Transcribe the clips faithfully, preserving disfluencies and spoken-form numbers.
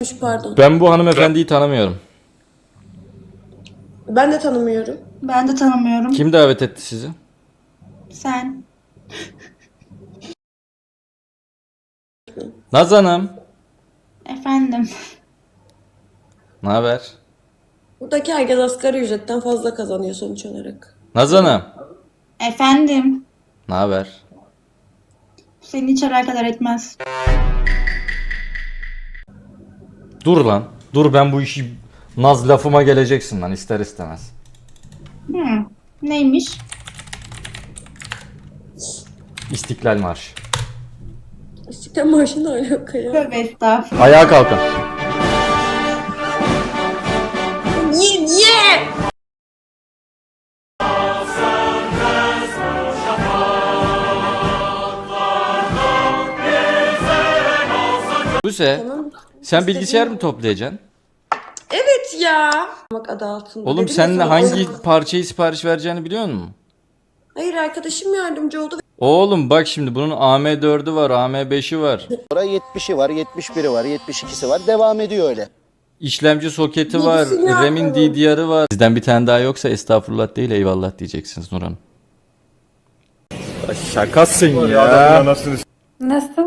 Pardon. Ben bu hanımefendiyi tanımıyorum. Ben de tanımıyorum. Ben de tanımıyorum. Kim davet etti sizi? Sen. Naz Hanım. Efendim. Ne haber? Buradaki herkes asgari ücretten fazla kazanıyor sonuç olarak. Naz Hanım. Efendim. Ne haber? Seni hiç alakadar etmez. Dur lan. Dur, ben bu işi Naz lafıma geleceksin lan ister istemez. Hmm. Neymiş? İstiklal Marşı. İstiklal Marşı ne alaka ya? Tövbe estağfurullah. Ayağa kalkın. Niye? Niye? Buse, Tamam. sen bilgisayar mı toplayacaksın? Evet ya. Bak adı altında. Oğlum Dedim sen ya sana, hangi oyun- parçayı sipariş vereceğini biliyor musun? Hayır, arkadaşım yardımcı oldu. Oğlum bak şimdi bunun A M dördü var, A M beşi var. yetmişi var, yetmiş biri var, yetmiş ikisi var. Devam ediyor öyle. İşlemci soketi var, Bilgisini RAM'in yapmadım. D D R'ı var. Sizden bir tane daha yoksa estağfurullah değil eyvallah diyeceksiniz Nurhan. Şakasın ya. Nasıl?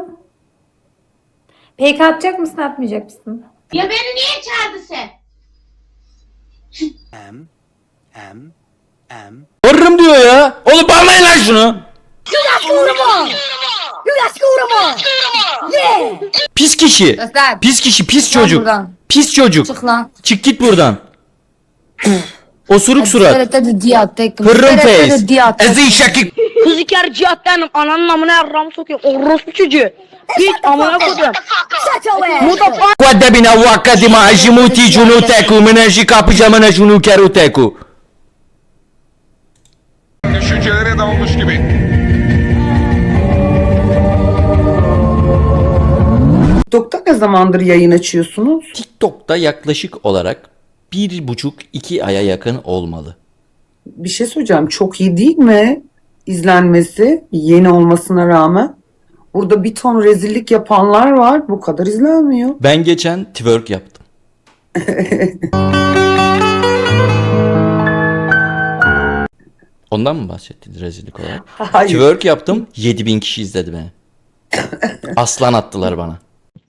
P K atacak mısın, atmayacak mısın? Ya beni niye çağırdı sen? Em, em, em. Varırım diyor ya. Oğlum bağlayın lan şunu. Pis kişi. Göster. Pis kişi, pis Çık lan çocuk. buradan. Pis çocuk. Çık lan. Çık git buradan. Osuruk surat. Hadi diyat tek. Pırrım face. Diyat. Ezi şakik. Kuziker cihat benim ananın amına yarramı sokuyor. Orospu çocuğu. Hiç amına koyayım. Mudafa. Guarda bina wakati ma ajimuti junuteku menaji kapıcamana junu keruteku. Düşüncelere dalmış gibi. TikTok'ta ne zamandır yayın açıyorsunuz? TikTok'ta yaklaşık olarak bir buçuk iki aya yakın olmalı. Bir şey söyleyeceğim. Çok iyi değil mi? İzlenmesi yeni olmasına rağmen. Burada bir ton rezillik yapanlar var. Bu kadar izlenmiyor. Ben geçen twerk yaptım. Ondan mı bahsettiniz rezillik olarak? Hayır. Twerk yaptım, yedi bin kişi izledi beni. Aslan attılar bana.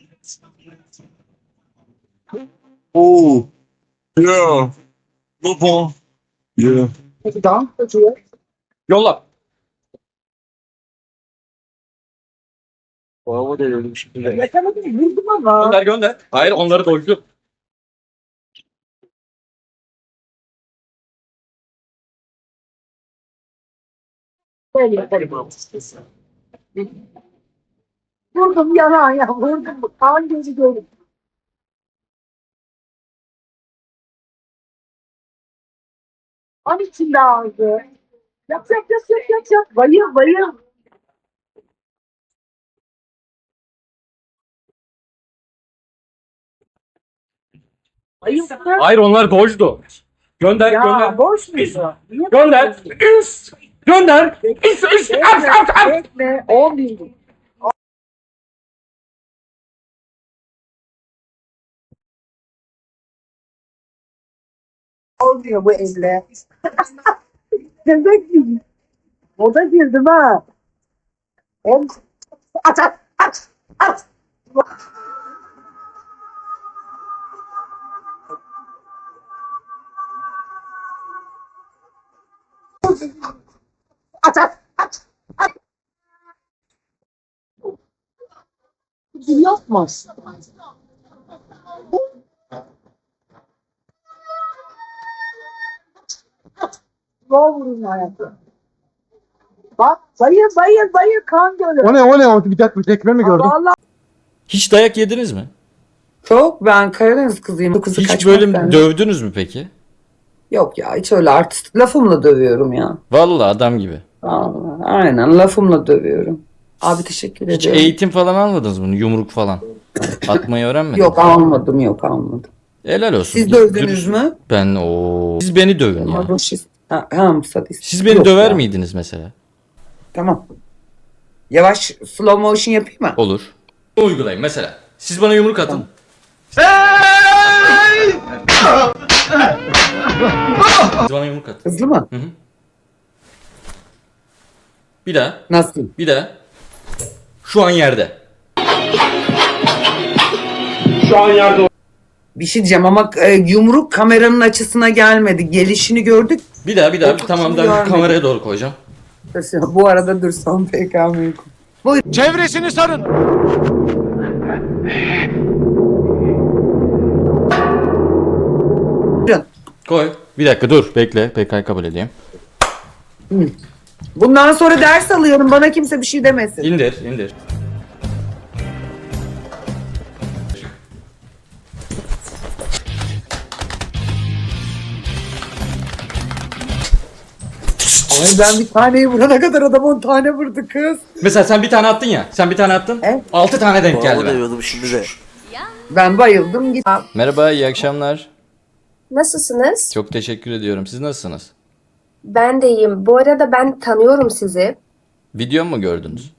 Oo. Yeah. Baba. Yeah. Yolla. Baba da öyle bir şey. Yakaladım, vurdum ama. Gönder gönder. Hayır, onları doydu. Vurdum yana ya, vurdum. Kan gözü gördüm. An içinde ağzı. Yap yap yap yap yap yap. Bayıl bayıl. Bayıl. Hayır, onlar doydu. Gönder Ya gönder. boş muydu? Niye Gönder. Üst. Gönder. Üst üst. At at at. bekle? on bin. Olmuyor bu elle. Demek ki o da girdim ha. On... At at at at. At at at at. Yapmaz. Ne vurun hayatım. Bak bayır bayır bayır kan gölü. O ne o ne? O bir dakika, bir tekme mi gördüm? Vallahi Hiç dayak yediniz mi? çok, ben Karadeniz kızıyım. Bu kızı Hiç kaçmak böyle benden. dövdünüz mü peki? Yok ya, hiç öyle artist lafımla dövüyorum ya. Vallahi adam gibi. Vallahi, aynen lafımla dövüyorum. Abi teşekkür Hiç ederim. eğitim falan almadınız mı? Yumruk falan. Atmayı öğrenmediniz. Yok almadım yok almadım. Helal olsun. Siz dövdünüz mü? Ben o. Siz beni dövün ya. Mazoşist. Ha, ha, sadist. Siz beni Yok döver ya. miydiniz mesela? Tamam. Yavaş slow motion yapayım mı? Olur. Uygulayın mesela. Siz bana yumruk atın. Sen yumruk at. Hızlı mı? Hı hı. Bir daha. Nasıl? Bir daha. Şu an yerde. Şu an yerde. Bir şey diyeceğim ama e, yumruk kameranın açısına gelmedi. Gelişini gördük. Bir daha bir daha. Oturuşunu Tamam ben görmedim. kameraya doğru koyacağım. Bu arada dur son P K M'yi. Buyurun. Çevresini sarın. Koy. Bir dakika dur. Bekle. P K'yı kabul edeyim. Bundan sonra ders alıyorum. Bana kimse bir şey demesin. İndir. indir. Ay ben bir taneyi vurana kadar adam on tane vurdu kız. Mesela sen bir tane attın ya. Sen bir tane attın. Evet. Altı tane denk geldi. Ben. Ben bayıldım. Git. Merhaba, iyi akşamlar. Nasılsınız? Çok teşekkür ediyorum. Siz nasılsınız? Ben de iyiyim. Bu arada ben tanıyorum sizi. Video mu gördünüz?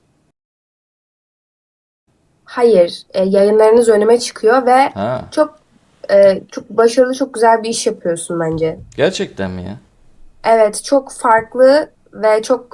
Hayır, e, yayınlarınız önüme çıkıyor ve Ha. çok e, çok başarılı, çok güzel bir iş yapıyorsun bence. Gerçekten mi ya? Evet, çok farklı ve çok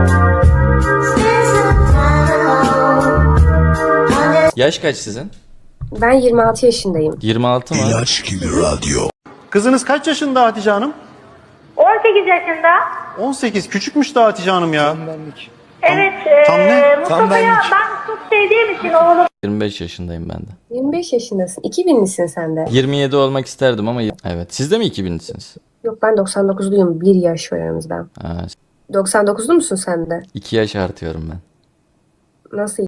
Yaş kaç sizin? ben yirmi altı yaşındayım. yirmi altı mı? Kızınız kaç yaşında Hatice Hanım? on sekiz yaşında. on sekiz. Küçükmüş de Hatice Hanım ya. Evet. Tam ne? Mustafa'ya ben çok sevdiğim için oğlum. yirmi beş yaşındayım ben de. yirmi beş yaşındasın. iki binlisin sen de. yirmi yedi olmak isterdim ama evet. Siz de mi iki binlisiniz? Yok, ben doksan dokuzluyum. Bir yaş var aramızda. Ha, doksan dokuzlu musun sen de? iki yaş artıyorum ben. Nasıl?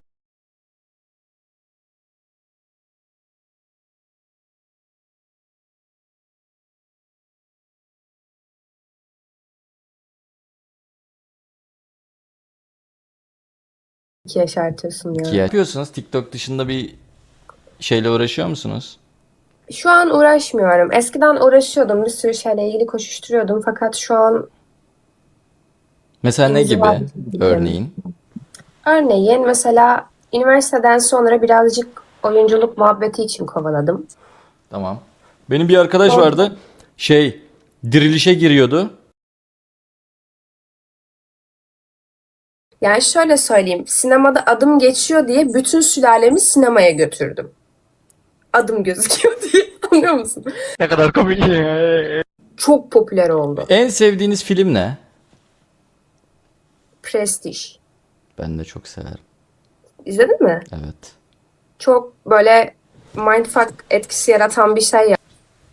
iki yaş artıyorsun ya. İki yaş. Ne yapıyorsunuz? TikTok dışında bir şeyle uğraşıyor musunuz? Şu an uğraşmıyorum. Eskiden uğraşıyordum. Bir sürü şeyle ilgili koşuşturuyordum. Fakat şu an Mesela ne gibi? İnziva. Örneğin. örneğin mesela üniversiteden sonra birazcık oyunculuk muhabbeti için kovaladım. Tamam. Benim bir arkadaş Oldu. vardı. Şey, dirilişe giriyordu. Yani şöyle söyleyeyim. Sinemada adım geçiyor diye bütün sülalemi sinemaya götürdüm. Adım gözüküyor diye. Anlıyor musun? Ne kadar komik. Çok popüler oldu. En sevdiğiniz film ne? Prestige. Ben de çok severim. İzledin mi? Evet. Çok böyle mindfuck etkisi yaratan bir şey ya.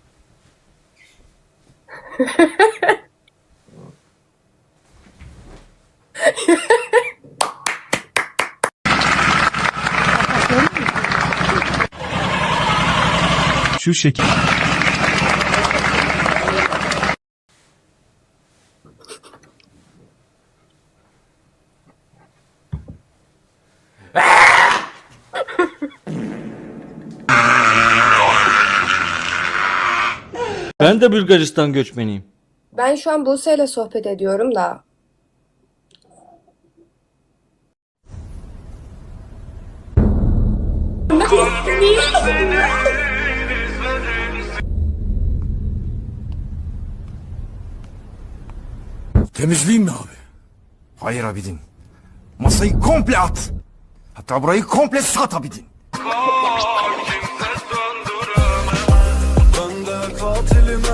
Şu şekil. Ben de Bulgaristan göçmeniyim. Ben şu an Buse ile sohbet ediyorum da. Temizleyeyim mi abi? Hayır abidin. Masayı komple at. Hatta burayı komple sat abidin. Ben de katilim